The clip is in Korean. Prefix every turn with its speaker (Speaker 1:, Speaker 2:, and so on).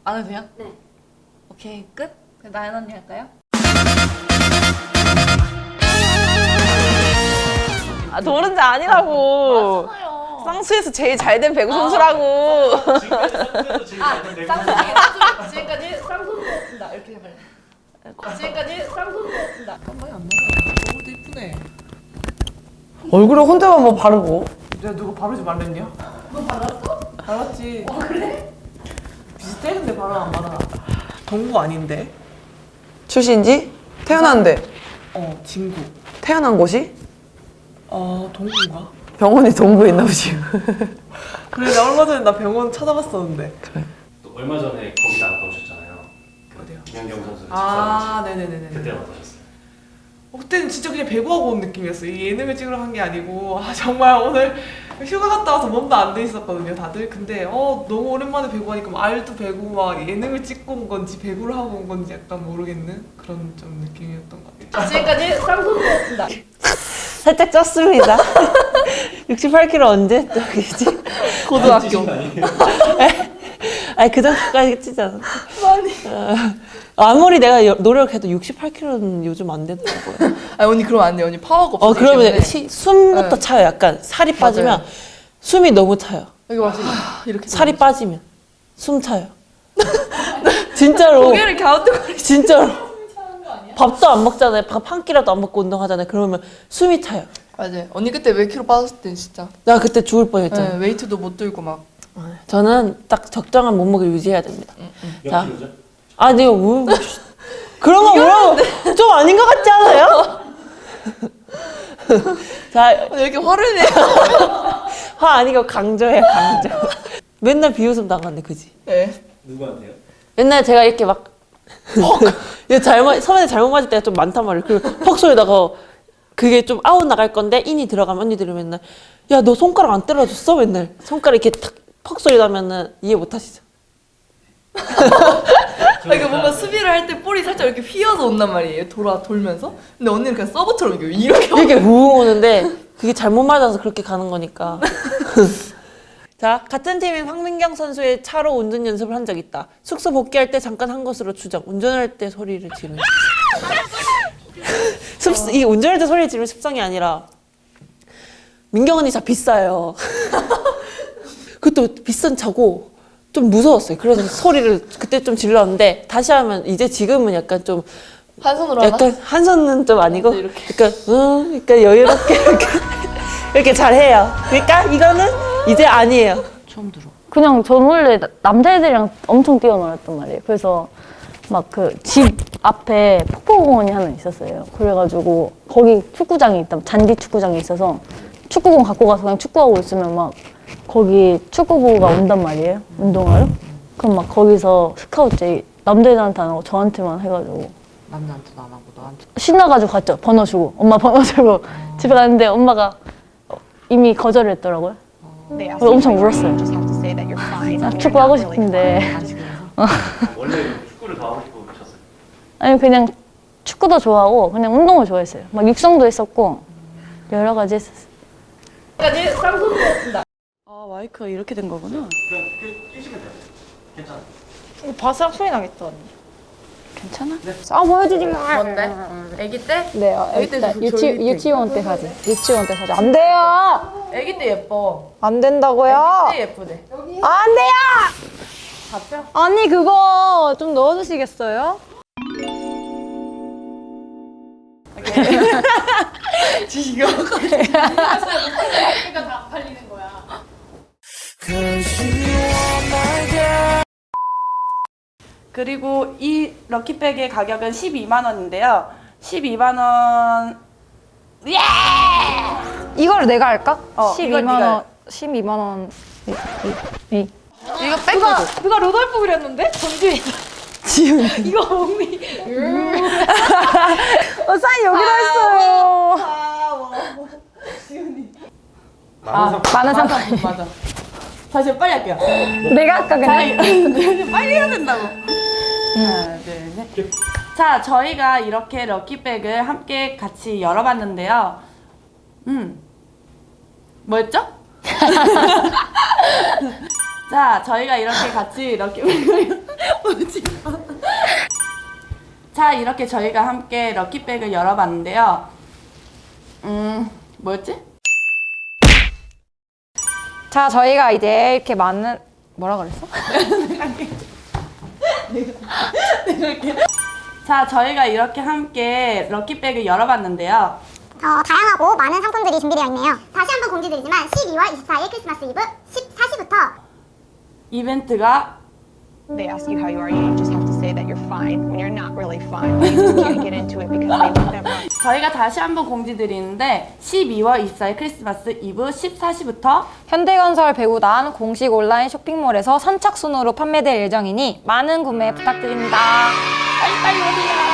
Speaker 1: 안 해도 돼요?
Speaker 2: 네.
Speaker 1: 오케이, 끝? 그럼 나연 언니 할까요?
Speaker 3: 아, 도른자 아니라고.
Speaker 1: 맞잖아요.
Speaker 3: 쌍수에서 제일 잘 된 배구 선수라고.
Speaker 2: 지금까지 쌍수에서 제일 잘된 배구 선수.
Speaker 1: 지금까지 쌍손이었습니다. 이렇게 해봐요. 지금까지 쌍손이었습니다. 깜빡이 안 나네.
Speaker 4: 얼굴도 이쁘네.
Speaker 3: 얼굴에 혼자만 뭐 바르고.
Speaker 4: 내가 누구 바르지 말랬냐?
Speaker 1: 너 발랐어?
Speaker 4: 발랐지.
Speaker 1: 그래?
Speaker 4: 비슷해 근데 바로 안 바라. 동구 아닌데?
Speaker 3: 출신지? 태어났는데.
Speaker 4: 진구.
Speaker 3: 태어난 곳이?
Speaker 4: 동구인가?
Speaker 3: 병원이 동부에 있나 보지.
Speaker 4: 그래 나 얼마 전에 나 병원 찾아봤었는데.
Speaker 2: 또 얼마 전에 거기 나갔다 오셨잖아요.
Speaker 4: 어디요?
Speaker 2: 김연경 선수
Speaker 4: 네네네네.
Speaker 2: 그때는 어떠셨어요?
Speaker 4: 그때는 진짜 그냥 배구하고 온 느낌이었어요. 이 예능을 찍으러 간 게 아니고 정말 오늘 휴가 갔다 와서 몸도 안 돼 있었거든요 다들. 근데 너무 오랜만에 배구하니까 막 알도 배구 막 예능을 찍고 온 건지 배구를 하고 온 건지 약간 모르겠는 그런 좀 느낌이었던 것 같아요.
Speaker 1: 지금까지 쌍손이었습니다.
Speaker 3: 살짝 쪘습니다. 68kg 언제 쪄겠지? 고등학교.
Speaker 2: 아니에요?
Speaker 3: 아니 그 정도까지 찌지 않아. 아무리 내가 노력해도 68kg는 요즘 안 되더라고요.
Speaker 5: 아니 언니 그러면 안 돼요. 언니 파워가 없어.
Speaker 3: 그러면 숨부터
Speaker 5: 네.
Speaker 3: 차요. 약간 살이 빠지면
Speaker 5: 맞아요.
Speaker 3: 숨이 너무 차요.
Speaker 5: 여기 와서 이렇게
Speaker 3: 살이 빠지면 숨 차요. 진짜로.
Speaker 5: 고개를 갸우뚱거리.
Speaker 3: 진짜로. 밥도 안 먹잖아요. 밥 한 끼라도 안 먹고 운동하잖아요. 그러면 숨이 차요.
Speaker 5: 맞아요. 언니 그때 몇 킬로 빠졌을 때 진짜.
Speaker 3: 나 그때 죽을 뻔했잖아요.
Speaker 5: 네, 웨이트도 못 들고 막.
Speaker 3: 저는 딱 적정한 몸무게를 유지해야 됩니다.
Speaker 2: 몇
Speaker 3: 자.
Speaker 2: 킬로죠?
Speaker 3: 아, 내가 뭐 그런 거 물어보면 좀 아닌 것 같지 않아요? 자,
Speaker 5: 왜 이렇게 화를 내요?
Speaker 3: 화 아니고 강조해요, 강조. 맨날 비웃음 당하네, 그지?
Speaker 5: 네.
Speaker 2: 누구한테요?
Speaker 3: 옛날에 제가 이렇게 막 서면에 잘못 맞을 때가 좀 많단 말이에요. 그리고 퍽 소리다가 그게 좀 아웃 나갈 건데 인이 들어가면 언니들이 맨날 야, 너 손가락 안 때려줬어? 맨날 손가락 이렇게 탁 퍽 소리 나면은 이해 못 하시죠?
Speaker 5: 그러니까 뭔가 수비를 할 때 볼이 살짝 이렇게 휘어서 온단 말이에요. 돌면서. 근데 언니는 그냥 서브처럼 이렇게
Speaker 3: 이렇게 우웅 오는데 그게 잘못 맞아서 그렇게 가는 거니까. 자, 같은 팀인 황민경 선수의 차로 운전 연습을 한 적 있다. 숙소 복귀할 때 잠깐 한 것으로 추정. 운전할 때 소리를 지르는. 이게 운전할 때 소리를 지르는 습성이 아니라 민경 언니 차 비싸요. 그것도 비싼 차고 좀 무서웠어요. 그래서 소리를 그때 좀 질렀는데 다시 하면 지금은 약간 좀
Speaker 5: 한 손으로 하나?
Speaker 3: 약간 한 손은 좀 아니고
Speaker 5: 이렇게.
Speaker 3: 그러니까 여유롭게 이렇게 잘해요. 그러니까 이거는 이제 아니에요.
Speaker 4: 처음 들어.
Speaker 6: 그냥 전 원래 남자애들이랑 엄청 뛰어놀았단 말이에요. 그래서 막 그 집 앞에 폭포공원이 하나 있었어요. 그래가지고 거기 축구장이 있다, 잔디 축구장이 있어서 축구공 갖고 가서 그냥 축구하고 있으면 막 거기 축구부가 온단 말이에요. 운동하러. 그럼 막 거기서 스카우트 남자애들한테 안 하고 저한테만 해가지고
Speaker 4: 남자한테도 안 하고 너한테.
Speaker 6: 신나가지고 갔죠. 번호 주고. 엄마 번호 주고 집에 갔는데 엄마가 이미 거절을 했더라고요. 그래서 엄청 울었어요. 축구하고 싶은데.
Speaker 2: 원래 축구를 더 하고 싶고 그러셨어요?
Speaker 6: 아니 그냥 축구도 좋아하고 그냥 운동을 좋아했어요. 막 육성도 했었고 여러 가지 했었어요.
Speaker 1: 지금까지 쌍손이었습니다.
Speaker 3: 아, 마이크가 이렇게 된 거구나.
Speaker 2: 그냥 끼시면 돼요. 괜찮아요.
Speaker 1: 바스락 소리 나겠다, 언니.
Speaker 6: 괜찮아? 아 보여주지 마.
Speaker 1: 뭔데? 아기 때?
Speaker 6: 네,
Speaker 1: 아기 때
Speaker 6: 유치원 때 사진. 유치원 때 사진. 안 돼요.
Speaker 1: 아기 때 예뻐.
Speaker 6: 안 된다고요.
Speaker 1: 아기 때 예쁘대.
Speaker 6: 안 돼요.
Speaker 1: 잡혀?
Speaker 6: 언니 그거 좀 넣어주시겠어요?
Speaker 1: 그러니까 다 팔리는 거야.
Speaker 7: 그리고 이 럭키백의 가격은 12만 원인데요. 12만 원. 예!
Speaker 6: 이걸 내가 할까?
Speaker 7: 이걸 네가 해.
Speaker 6: 12만 원.
Speaker 1: 이거 뺏겨줘.
Speaker 6: 누가 로돌프 그렸는데? 전주에.
Speaker 3: 지훈이.
Speaker 6: 이거 언니. 사인 여기로 했어요. 많은 상품.
Speaker 7: 맞아. 다시 빨리 할게요.
Speaker 6: 내가 아까 그냥.
Speaker 7: 빨리 해야 된다고. 하나, 둘, 셋. 자, 저희가 이렇게 럭키백을 함께 같이 열어봤는데요. 뭐였죠? 자, 저희가 이렇게 같이 럭키백을 자, 이렇게 저희가 함께 럭키백을 열어봤는데요. 뭐였지?
Speaker 8: 자, 저희가 이제 이렇게 많은 뭐라 그랬어?
Speaker 7: 자, 저희가 이렇게 함께 럭키백을 열어봤는데요.
Speaker 9: 다양하고 많은 상품들이 준비되어 있네요. 다시 한번 공지드리지만 12월 24일 크리스마스 이브 14시부터
Speaker 7: 이벤트가
Speaker 10: They ask you how you are, you just have to say that you're fine when you're not really fine. You just can't get into it because they want that much.
Speaker 7: 저희가 다시 한번 공지드리는데 12월 24일 크리스마스 이브 14시부터
Speaker 8: 현대건설 배구단 공식 온라인 쇼핑몰에서 선착순으로 판매될 예정이니 많은 구매 부탁드립니다.
Speaker 7: 빨리빨리 오세요.